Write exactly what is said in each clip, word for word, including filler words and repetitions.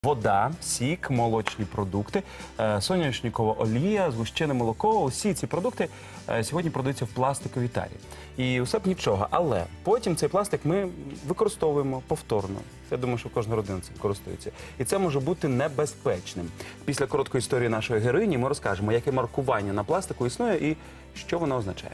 Вода, сік, молочні продукти, е, соняшникова олія, згущене молоко. Усі ці продукти е, сьогодні продаються в пластиковій тарі. І усе б нічого. Але потім цей пластик ми використовуємо повторно. Я думаю, що кожна родина цим користується. І це може бути небезпечним. Після короткої історії нашої героїні ми розкажемо, яке маркування на пластику існує і що воно означає.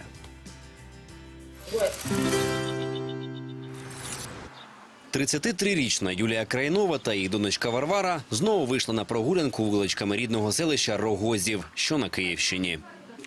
тридцятитрирічна Юлія Крайнова та її донечка Варвара знову вийшли на прогулянку вуличками рідного селища Рогозів, що на Київщині.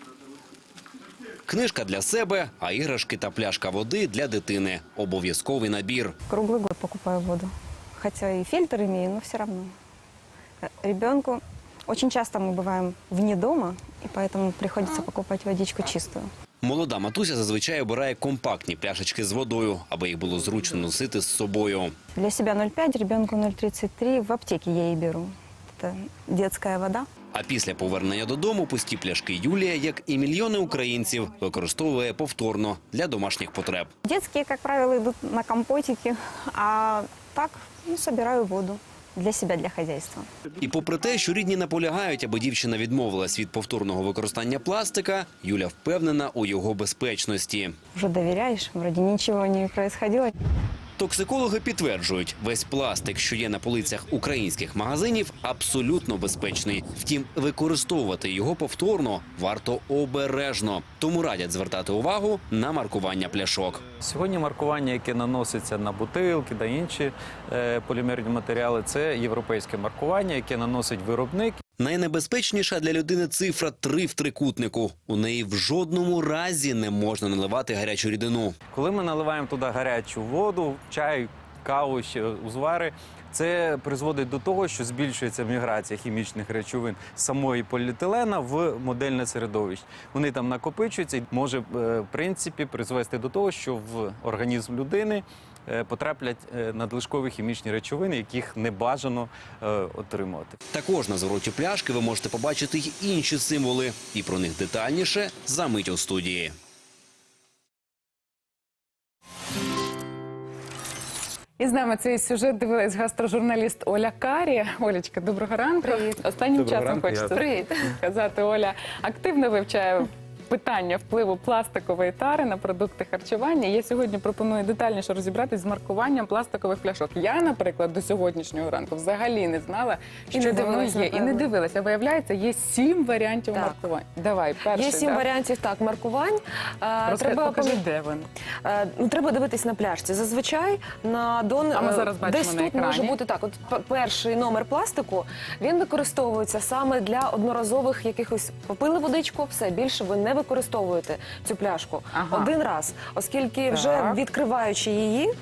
Книжка для себе, а іграшки та пляшка води для дитини. Обов'язковий набір. Круглый год покупаю воду. Хотя и фильтр имею, но все равно. Ребенку очень часто мы бываем вне дома, и поэтому приходится покупать водичку чистую. Молода матуся зазвичай обирає компактні пляшечки з водою, аби їх було зручно носити з собою. Для себя ноль пять, ребенку ноль тридцать три. В аптеке я и беру. Это детская вода. А після повернення додому пусті пляшки Юлія, як і мільйони українців, використовує повторно для домашніх потреб. Детские, как правило, идут на компотики, а так ну, собираю воду для себя, для хозяйства. І попри те, що рідні наполягають, аби дівчина відмовилась від повторного використання пластика, Юля впевнена у його безпечності. Уже доверяешь, вроде ничего не происходило. Токсикологи підтверджують, весь пластик, що є на полицях українських магазинів, абсолютно безпечний. Втім, використовувати його повторно варто обережно. Тому радять звертати увагу на маркування пляшок. Сьогодні маркування, яке наноситься на бутилки та інші е, полімерні матеріали, це європейське маркування, яке наносить виробник. Найнебезпечніша для людини цифра три в трикутнику. У неї в жодному разі не можна наливати гарячу рідину. Коли ми наливаємо туди гарячу воду, чай, каву, ще узвари, це призводить до того, що збільшується міграція хімічних речовин з самої поліетилена в модельне середовище. Вони там накопичуються і може, в принципі, призвести до того, що в організм людини потраплять надлишкові хімічні речовини, яких не бажано е, отримувати. Також на звороті пляшки ви можете побачити й інші символи. І про них детальніше за мить у студії. І з нами цей сюжет дивилась гастрожурналіст Оля Карі. Олечка, доброго ранку. Привіт. Останнім Доброго часом ранку, хочеться Привіт. сказати, Оля активно вивчає питання впливу пластикової тари на продукти харчування. Я сьогодні пропоную детальніше розібратись з маркуванням пластикових пляшок. Я, наприклад, до сьогоднішнього ранку взагалі не знала, І що не воно дивилась, є. І не напевно. дивилася. Виявляється, є сім варіантів Так. маркувань. Давай, перший. Є сім да? варіантів так маркувань. Е, Розкажи, Треба покажи, пам'ят- де вони. е, ну, треба дивитись на пляшці. Зазвичай на дон А ми е, зараз бачимо десь на тут може екрані. бути так. От п- перший номер пластику він використовується саме для одноразових якихось попили водичку. Все більше ви не використовуєте цю пляшку Ага. один раз, оскільки вже Так. відкриваючи її,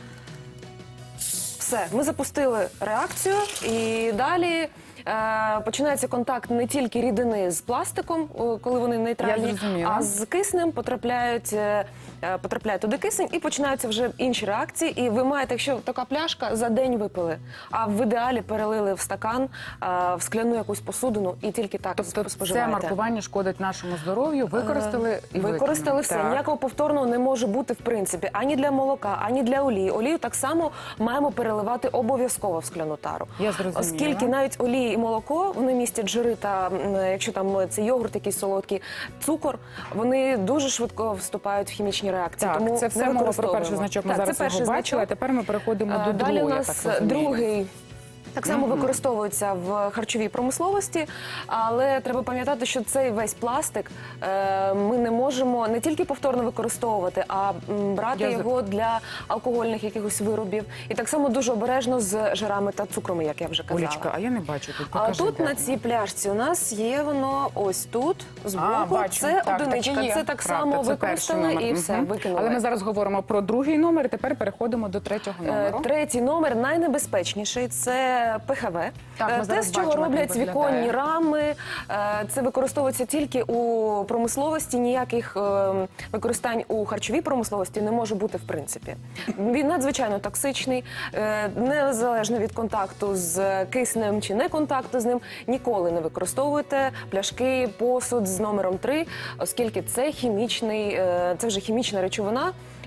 все, ми запустили реакцію і далі. е, Починається контакт не тільки рідини з пластиком, о, коли вони нейтральні, Я зрозуміла. а з киснем потрапляють, е, е, потрапляє туди кисень і починаються вже інші реакції. І ви маєте, якщо така пляшка, за день випили, а в ідеалі перелили в стакан, е, в скляну якусь посудину і тільки так Тобто це споживаєте. маркування шкодить нашому здоров'ю, використали і Використали викинули. все. Так. Ніякого повторного не може бути в принципі ані для молока, ані для олії. Олію так само маємо переливати обов'язково в скляну тару. Я зрозуміла. Оскільки навіть олії і молоко, вони містять жири та м, якщо там це йогурт якийсь солодкий, цукор, вони дуже швидко вступають в хімічні реакції. Так, тому це все не мова про використовуємо. перший значок, ми Так, зараз це перший його бачили, а значок. тепер ми переходимо Е, до Далі другого, у я нас так розумію. другий. Так само використовується в харчовій промисловості, але треба пам'ятати, що цей весь пластик е, ми не можемо не тільки повторно використовувати, а м, брати Я його для алкогольних якихось виробів. І так само дуже обережно з жирами та цукрами, як я вже казала. Олечка, а я не бачу тут. А Покажи, тут де на воно. цій пляшці у нас є воно ось тут, збоку. А, бачу. Це Так, одиничка. так і є. Це так Правда, само це використали перший номер. і все, Мгм. викинули. Але ми зараз говоримо про другий номер, і тепер переходимо до третього Е, номеру. Третій номер найнебезпечніший – це Пе Ге Ве. Так, ми Е, Те, зараз з чого бачимо, як роблять він віконні виглядає. рами, е, це використовується тільки у промисловості, ніяких е, використань у харчовій промисловості не може бути в принципі. Він надзвичайно токсичний, е, незалежно від контакту з киснем чи не контакту з ним, ніколи не використовуйте пляшки, посуд з номером три, оскільки це хімічний, е, це вже хімічна речовина,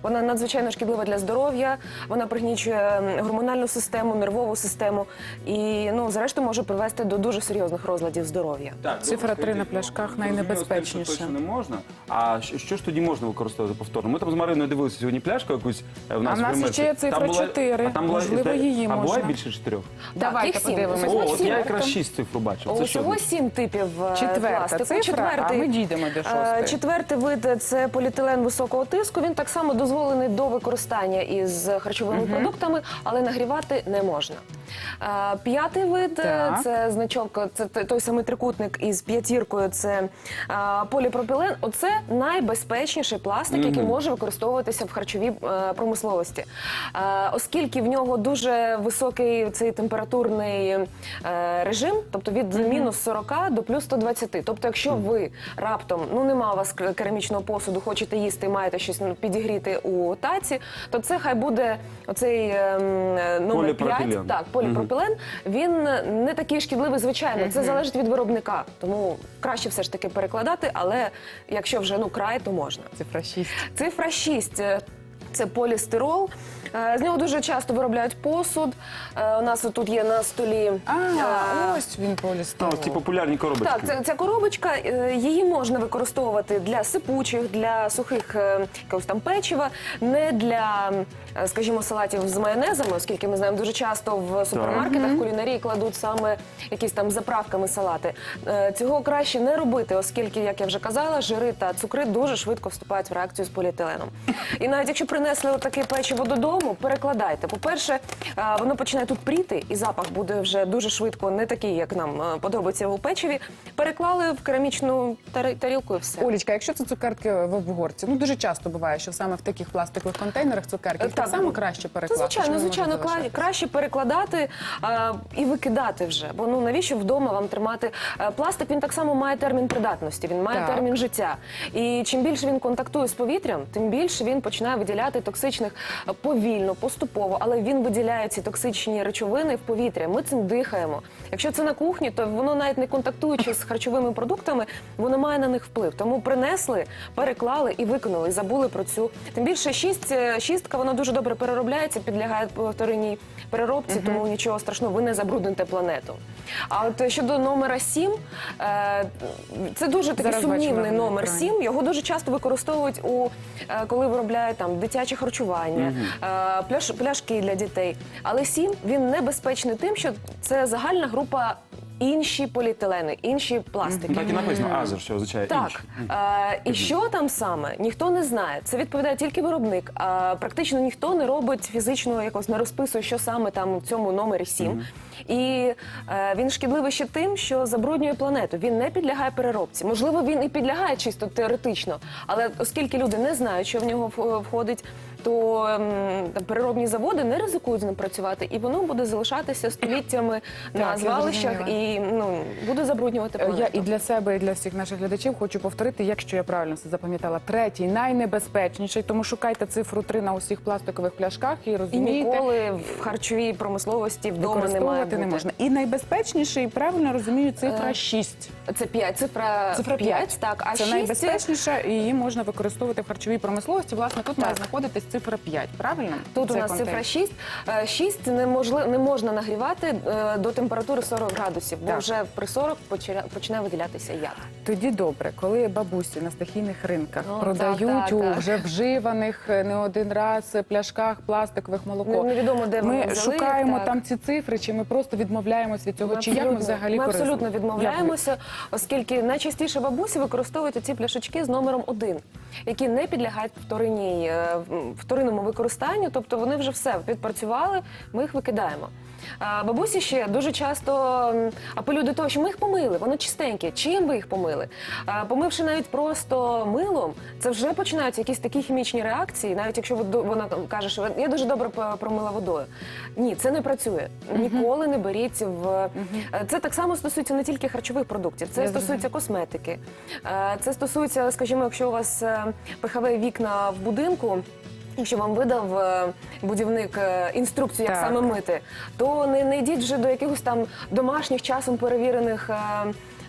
Вона надзвичайно шкідлива для здоров'я, вона пригнічує гормональну систему, нервову систему і, ну, зрештою, може привести до дуже серйозних розладів здоров'я. Так, Цифра добре, три на скажіть, пляшках ну, зрозуміло, найнебезпечніша. з тим, що точно не можна. А що, що ж тоді можна використовувати повторно? Ми там з Мариною дивилися сьогодні пляшку якусь е, в нас А в нас в ще є цифра Там була- чотири. а там була- Можливо, зда- її А можна. буває більше чотирьох? Давайте їх сім. подивимося. Ось О, от я сім. якраз шість цифр бачив. Це що? Усього сім типів е, Четверта пластику. цифра, Четвертий, а ми дійдемо до е, шостої. Четвертий вид – це поліетилен високого тиску. Він так само дозволений до використання із харчовими продуктами, але нагрівати не можна. Е, П'ятий вид е, Так. це значок, це т- той самий трикутник із п'ятіркою. Це е, поліпропілен. Оце найбезпечніший пластик, який може використовуватися в харчовій е, промисловості, Е, оскільки в нього дуже високий цей температурний е, режим, тобто від мінус сорока до плюс сто двадцяти. Тобто, якщо ви раптом, ну нема у вас к- керамічного посуду, хочете їсти, маєте щось ну, підігріти у таці, то це хай буде оцей ем, номер Поліпропілен. п'ять. Так, поліпропілен. Він не такий шкідливий, звичайно. Це залежить від виробника. Тому краще все ж таки перекладати, але якщо вже ну край, то можна. Цифра шість. Цифра шість е, – це полістирол. Е, З нього дуже часто виробляють посуд. Е, У нас тут є на столі. А, е, ось він Ну, полістирол. ось ці популярні коробочки. Так, це, ця коробочка, е, її можна використовувати для сипучих, для сухих е, якогось там печива, не для, е, скажімо, салатів з майонезами, оскільки ми знаємо, дуже часто в супермаркетах, в кулінарії кладуть саме якісь там заправками салати. Е, Цього краще не робити, оскільки, як я вже казала, жири та цукри дуже швидко вступають в реакцію з поліетиленом. І навіть якщо принесли таке печиво додому, перекладайте. По-перше, е, воно починає тут пріти, і запах буде вже дуже швидко, не такий, як нам е, подобається у печиві. Переклали в керамічну тари- тарілку і все. Олічка, якщо це цукерки в обгорці, ну дуже часто буває, що саме в таких пластикових контейнерах цукерки Е, їх так так, само ну, краще Це перекласти. звичайно, чи вони звичайно, можуть кла- залишатися? краще перекладати а, і викидати вже. Бо ну навіщо вдома вам тримати Е, пластик? Він так само має термін придатності, він має Так. термін життя. І чим більше він контактує з повітрям, тим більше він починає виділяти токсичних е, повільно, поступово, але він виділяє ці токсичні речовини в повітря. Ми цим дихаємо. Якщо це на кухні, то воно навіть не контактуючи з харчовими продуктами, воно має на них вплив. Тому принесли, переклали і викинули, і забули про цю. Тим більше шість, е, шістка, вона дуже добре переробляється, підлягає повтореній переробці, тому нічого страшного, ви не забрудните планету. А от щодо номера сім, е, це дуже такий Зараз бачимо сумнівний на номер екрані. сім. Його дуже часто використовують у е, коли виробляють там дитяче харчування, е, пляш, пляшки для дітей. Але сім він небезпечний тим, що це загальна група інші поліетилени, інші пластики. Так і написано азер, що означає Так, інший. е, і що там саме, ніхто не знає. Це відповідає тільки виробник. А практично ніхто не робить фізично, якось не розписує, що саме там в цьому номері сім. І е, він шкідливий ще тим, що забруднює планету. Він не підлягає переробці. Можливо, він і підлягає чисто теоретично, але оскільки люди не знають, що в нього в- входить, то ем, там, переробні заводи не ризикують з ним працювати, і воно буде залишатися століттями на я звалищах зрозуміла. і ну буде забруднювати Е, планету. Я і для себе, і для всіх наших глядачів хочу повторити, якщо я правильно все запам'ятала, третій найнебезпечніший, тому шукайте цифру три на усіх пластикових пляшках і І розумієте, ніколи в харчовій промисловості вдома не має використовувати бути. не можна. І найбезпечніший, правильно розумію, цифра Е, шість. Це п'ять, цифра, Цифра п'ять. так, а Це шість найбезпечніша, і її можна використовувати в харчовій промисловості. Власне, тут має Так. знаходитись цифра п'ять, правильно? Тут у Цей нас контейнер. цифра шість. Е, шість неможли- не можна нагрівати е, до температури сорок градусів, бо Так. вже при сорок почина- починає виділятися яд. Тоді добре, коли бабусі на стихійних ринках Ну, продають так, так, у так. вже вживаних е, не один раз пляшках пластикових молоко. Не- невідомо, де вони ми взяли, шукаємо так. там ці цифри, чи ми просто відмовляємось від цього, Ми чи як ми абсолютно- взагалі ми абсолютно користуємося? відмовляємося, оскільки найчастіше бабусі використовують ці пляшечки з номером один, які не підлягають вторинній, е, м, вторинному використанню, тобто вони вже все відпрацювали, ми їх викидаємо. А бабусі ще дуже часто м, апелюють до того, що ми їх помили, воно чистеньке. Чим ви їх помили? А, помивши навіть просто милом, це вже починаються якісь такі хімічні реакції, навіть якщо ви до- вона каже, що я дуже добре по- промила водою. Ні, це не працює. Ніколи не беріть в Е, це так само стосується не тільки харчових продуктів, це Я стосується косметики. Е, Це стосується, скажімо, якщо у вас е, пихові вікна в будинку. Якщо вам видав е, будівник е, інструкцію, як Так. саме мити, то не, не йдіть вже до якихось там домашніх часом перевірених е,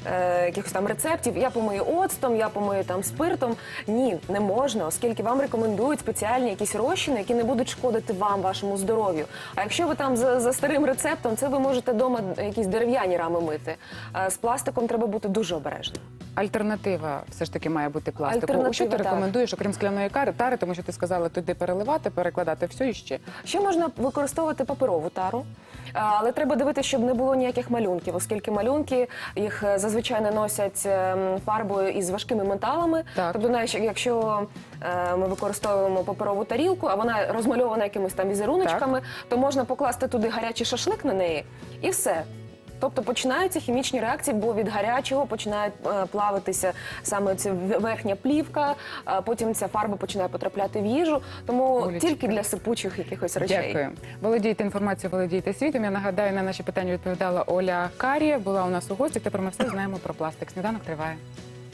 е, якихось там рецептів. Я помию оцтом, я помию там спиртом. Ні, не можна, оскільки вам рекомендують спеціальні якісь розчини, які не будуть шкодити вам, вашому здоров'ю. А якщо ви там за, за старим рецептом, це ви можете вдома якісь дерев'яні рами мити. Е, з пластиком треба бути дуже обережним. Альтернатива все ж таки має бути пластику. Альтернатива, Що ти так. рекомендуєш, окрім скляної кари, тари, тому що ти сказала туди переливати, перекладати все і ще. Ще можна використовувати паперову тару, але треба дивитися, щоб не було ніяких малюнків, оскільки малюнки їх е, зазвичай наносять ем, фарбою із важкими металами. Так. Тобто, навіть якщо е, ми використовуємо паперову тарілку, а вона розмальована якимись там візеруночками, то можна покласти туди гарячий шашлик на неї і все. Тобто починаються хімічні реакції, бо від гарячого починає е, плавитися саме ця верхня плівка, а потім ця фарба починає потрапляти в їжу. Тому Олечка. тільки для сипучих якихось речей. Дякую. Володійте інформацією, володійте світом. Я нагадаю, на наші питання відповідала Оля Карія. Була у нас у гості. Тепер ми все знаємо про пластик. Сніданок триває.